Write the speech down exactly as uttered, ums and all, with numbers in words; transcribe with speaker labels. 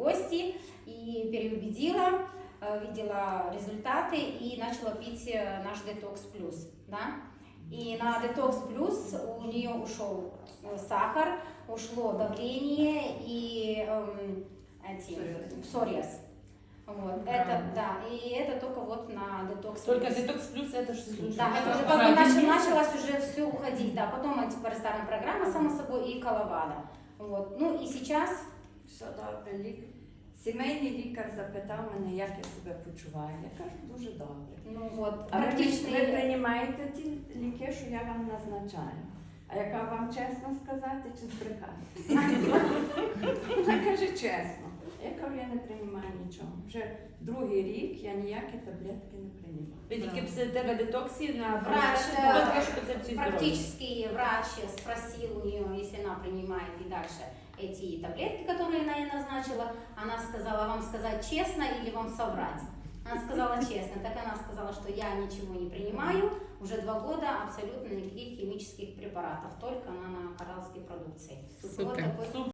Speaker 1: гости и переубедила, видела результаты и начала пить наш Detox Plus, да. И на Detox Plus у нее ушел сахар, ушло давление и эм, эти, псориаз. Вот, это, да, и это только вот на Detox Plus.
Speaker 2: Только Detox Plus это что?
Speaker 1: Да, это уже как бы начал, началось уже все уходить, да, потом типа ресторан программа, само собой, и Коловада. Вот, ну и сейчас...
Speaker 3: Все добре, лік... Сімейний лікар запитав мене, як я себе почуваю. Я кажу, дуже добре.
Speaker 1: Ну вот,
Speaker 3: А ви,
Speaker 1: практично...
Speaker 3: ви приймаєте ті ліки, що я вам назначаю. А яка вам чесно сказати чи збрехати? Вона каже чесно. Я кажу, я не приймаю нічого. Вже другий рік я ніякі таблетки не приймаю.
Speaker 2: Ви тільки після тебе детоксі на
Speaker 1: Врач,
Speaker 2: концепцію здоров'я.
Speaker 1: практически врач спросил у нее, если она принимает и дальше эти таблетки, которые она ей назначила, она сказала, вам сказать честно или вам соврать? Она сказала честно, так она сказала, что я ничего не принимаю, уже два года абсолютно никаких химических препаратов, только она на коралловской продукции.
Speaker 4: Супер.
Speaker 1: Вот такой